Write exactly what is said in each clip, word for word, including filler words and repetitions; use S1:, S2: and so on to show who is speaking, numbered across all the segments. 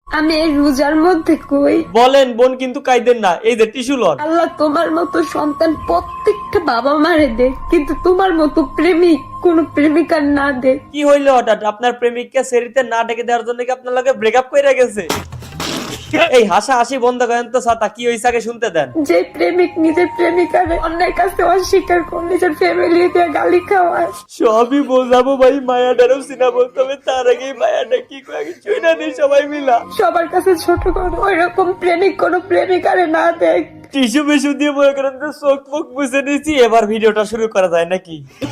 S1: আমি এই রোজার মধ্যে কই
S2: বলেন বোন, কিন্তু কাইদেন না, এই যে টিস্যু লন।
S1: আল্লাহ তোমার মতো সন্তান প্রত্যেকটা বাবা মারে দেখ, কিন্তু তোমার মতো প্রেমিক কোন প্রেমিকার না দেখ।
S2: কি হইলো হঠাৎ? আপনার প্রেমিককে সেরিতে না ডেকে দেওয়ার জন্য কি আপনার লগে ব্রেকআপ কইরা গেছে? এই হাসা হাসি বন্ধ করেন তো ছাতা, কি হইছে আগে শুনতে দেন।
S1: যে প্রেমিক নিজের প্রেমিকারে অন্যের কাছে অস্বীকার করে নিজের ফ্যামিলি দিয়ে গালি খাওয়ায়।
S2: সবই বোঝাবো ভাই, মায়াটারও চিনাবো, তবে তার আগে মায়াটা কি করে কিছুই না নেই সবাই মিলা।
S1: সবার কাছে ছোট করে ওইরকম প্রেমিক কোন প্রেমিকারে না দেখ।
S2: টিস্যু মিশু দিয়ে মনে করেন যে চোখ মুখ মুছে নিয়েছি, এবার ভিডিওটা শুরু করা যায় নাকি?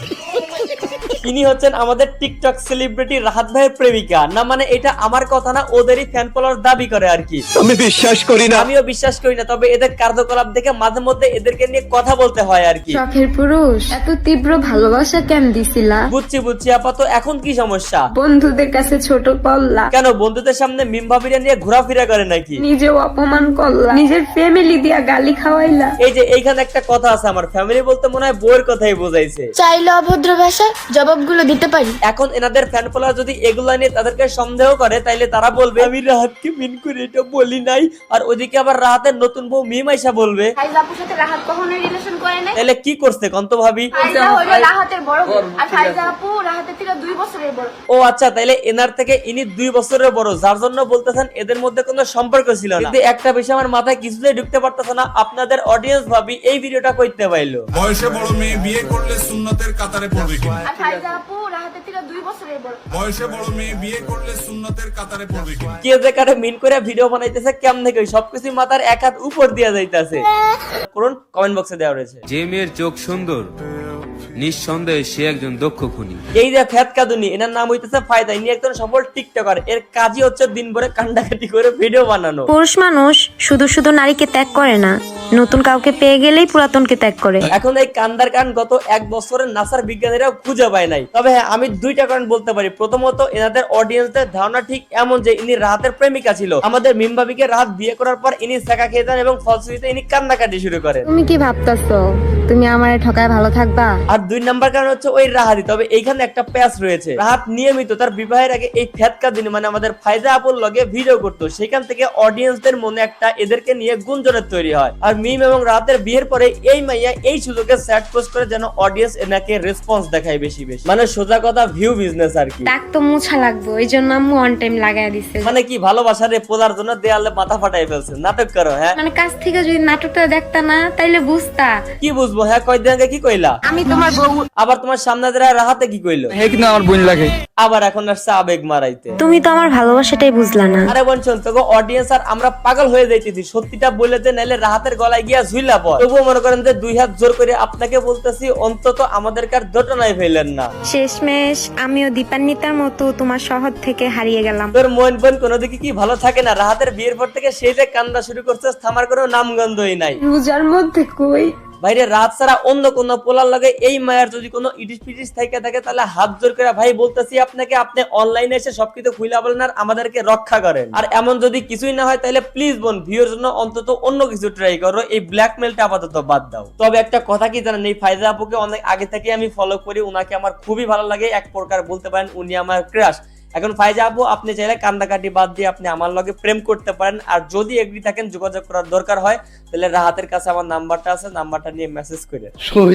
S2: ইনি হচ্ছেন আমাদের টিকটক সেলিব্রিটি রাহাত ভাইয়ের প্রেমিকা। না মানে এটা আমার কথা না, ওদেরই ফ্যান ফলোয়ার দাবি করে আর কি।
S3: আমি বিশ্বাস করি না,
S2: আমিও বিশ্বাস করি না, তবে এদের কার্যকলাপ দেখে মাঝে মধ্যে এদেরকে নিয়ে কথা বলতে হয় আর কি।
S1: শখের পুরুষ এত তীব্র ভালোবাসা কেন দিছিলা?
S2: বুঝছি বুঝছি আপাতত এখন কি সমস্যা?
S1: বন্ধুদের কাছে ছোট করলা
S2: কেন, বন্ধুদের সামনে মিম ভাবিরা নিয়ে ঘোরাফেরা করে নাকি?
S1: নিজেও অপমান করলা, নিজের ফ্যামিলি দিয়া গালি খাওয়াইলা।
S2: এই যে এইখানে একটা কথা আছে, আমার ফ্যামিলি বলতে মনে হয় বউয়ের কথাই বোঝাইছে।
S4: চাইলে অভদ্র ভাষায় জবাবগুলো দিতে পারি।
S2: এখন এনাদের ফ্যান ফলোয়ার যদি এগুলা নিয়ে তাদেরকে সন্দেহ করে, তাইলে তারা বলবে আমি রাহাতকে মিন করে এটা বলি নাই, আর ওইদিকে আবার রাহাতের নতুন বউ মিম আইসা বলবে
S4: ফাইজা আপুর সাথে রাহাত কখনোই রিলেশন করে নাই।
S2: তাহলে কি করছে কন্ত ভাবি?
S4: ফাইজা হলো রাহাতের বড় বোন, আর ফাইজা আপু রাহাতের থেকে দুই বছরের বড়।
S2: ও আচ্ছা, তাইলে এনার থেকে ইনি দুই বছরের বড়, যার জন্য বলতেছেন এদের মধ্যে কোনো সম্পর্ক ছিল না। কিন্তু একটা বিষয় আমার মাথায় কিছুতেই ঢুকতে পারতেছে না, আপনাদের অডিয়েন্স ভাবি এই ভিডিওটা কইতে পাইলো।
S5: বয়সে বড় মেয়ে বিয়ে করলে সুন্নতের কাতারে পড়বে কিনা?
S4: আর ফাইজা আপু রাহাতের থেকে দুই বছরের বড়।
S5: বয়সে বড় মেয়ে বিয়ে করলে সুন্নতের কাতারে পড়বে কিনা?
S2: কে যে কারে মিন করে ভিডিও বানাইতেছে কেমনে কই, সবকিছু মাথার এক হাত উপর দিয়া যাইতাছে। করুন কমেন্ট বক্সে দেওয়া রয়েছে।
S6: যে মেয়ের চোখ সুন্দর নিঃসন্দেহে সে একজন দক্ষ খুনি।
S2: এই যে ফেতকাদুনি, এনার নাম হইতেছে ফায়দা, ইনি একজন সফল টিকটকার। এর কাজই হচ্ছে দিন ভরে কান্ডাকাটি করে ভিডিও বানানো।
S7: পুরুষ মানুষ শুধু শুধু নারীকে ত্যাগ করে না, নতুন কাউকে পেয়ে গেলেই পুরাতনকে ত্যাগ করে।
S2: এখন এই কান্দার কান গত এক বছরের নাসার বিজ্ঞানীরাও খুঁজে পায় নাই। তবে হ্যাঁ, আমি দুইটা কারণ বলতে পারি। প্রথমত, এনাদের অডিয়েন্সদের ধারণা ঠিক এমন যে ইনি রাহাতের প্রেমিকা ছিল। আমাদের মিমবাবিকে রাহাত বিয়ে করার পর ইনি সেকা খেয়ে যান এবং ফলশ্রুতিতে ইনি কান্নাকাটি শুরু করেন।
S7: তুমি কি ভাবতাছো তুমি আমারে ঠকায় ভালো থাকবা?
S2: আর দুই নাম্বার কারণ হচ্ছে ওই রাহাতি। তবে এইখানে একটা প্যাচ রয়েছে। রাহাত নিয়মিত তার বিবাহের আগে এই ফেতকা দিন মানে আমাদের ফায়জা আপুর লগে ভিডিও করতো, সেখান থেকে অডিয়েন্সদের মনে একটা এদেরকে নিয়ে গুঞ্জনের তৈরি হয়। আর মিম এবং রাহাতের বিয়ের পরে এই মাইয়া এই সুযোগে স্যাড পোস্ট করে যেন অডিয়েন্স এনাকে রেসপন্স দেখায় বেশি বেশি। মানে সোজা কথা ভিউ বিজনেস আর কি।
S7: ডাক তো মুছা লাগবে, ওই জন্য আম্মু অন টাইম লাগাই দিছে।
S2: মানে কি ভালোবাসার পোলার জন্য দেয়ালে মাথা ফাটাই ফেলছে, নাটক করো। হ্যাঁ
S7: মানে কাছ থেকে যদি নাটকটা দেখতা না তাইলে বুঝতা।
S2: কি বুঝবো? হ্যাঁ কয়দিন আগে কি কইলা?
S7: আমি তোমার বউ।
S2: আবার তোমার সামনে দাঁড়ায় রাহাতে কি কইলো?
S3: হে কিন্তু আমার বোন লাগে।
S2: আবার এখন আসছে আবেগ মারাইতে।
S7: তুমি তো আমার ভালোবাসাটাই বুঝলা না।
S2: আরে বোন শোন, তোকে অডিয়েন্স আর আমরা পাগল হয়ে যাইতেছি। সত্যিটা বলে দে, নাইলে রাহাতের গলায় গিয়া ঝুইলা পড়। তবুও মনে করেন যে দুই হাত জোর করে আপনাকে বলতেছি, অন্তত আমাদেরকে আর দোটানায় ফেলেন না।
S7: শেষমেশ আমিও দীপান্বিতার মতো তোমার শহর থেকে হারিয়ে গেলাম।
S2: তোর মন বোন কোনো দিকে কি ভালো থাকে না? রাহাতের বিয়ের পর থেকে সেই যে কান্দা শুরু করছে, থামার কোনো নামগন্ধই নাই।
S1: রোজার মধ্যে কই
S2: বাইরে রাত ছাড়া অন্য কোন পোলার লাগে এই মায়ের যদি কোনো ইডিস পিডিস থেকে থাকে, তাহলে হাত জোর করে ভাই বলতেছি আপনাকে, আপনি অনলাইনে এসে সবকিছু খুইলা বলেন আর আমাদেরকে রক্ষা করেন। আর এমন যদি কিছুই না হয়, তাহলে প্লিজ বোন ভিউর জন্য অন্তত অন্য কিছু ট্রাই করো, এই ব্ল্যাকমেলটা আপাতত বাদ দাও। তবে একটা কথা কি জানেন, এই ফায়জা আপুকে অনেক আগে থেকে আমি ফলো করি, উনাকে আমার খুবই ভালো লাগে। এক প্রকার বলতে পারেন উনি আমার ক্রাশ। এখন ফায়জা আপু, আপনি চাইলে কান্দাকাটি বাদ দিয়ে আপনি আমার লগে প্রেম করতে পারেন। আর যদি এগ্রি থাকেন, যোগাযোগ করার দরকার হয়, তাহলে রাহাতের কাছে আমার নাম্বারটা আছে, নাম্বারটা নিয়ে মেসেজ করে।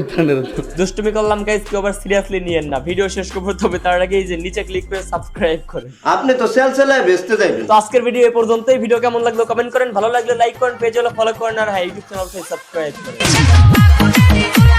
S2: দুষ্টুমি করলাম গাইস, কেউ আবার সিরিয়াসলি নিয়েন না। ভিডিও শেষ করবো, তবে তার আগে এই যে নিচে ক্লিক করে সাবস্ক্রাইব করেন।
S8: আপনি তো সেল সেলায় বেচতে যাবেন।
S2: তো আজকের ভিডিও এই পর্যন্তই। ভিডিও কেমন লাগলো কমেন্ট করেন, ভালো লাগলে লাইক করেন, পেজ হলো ফলো করেন, আর হ্যাঁ ইউটিউব চ্যানেল সাবস্ক্রাইব করেন।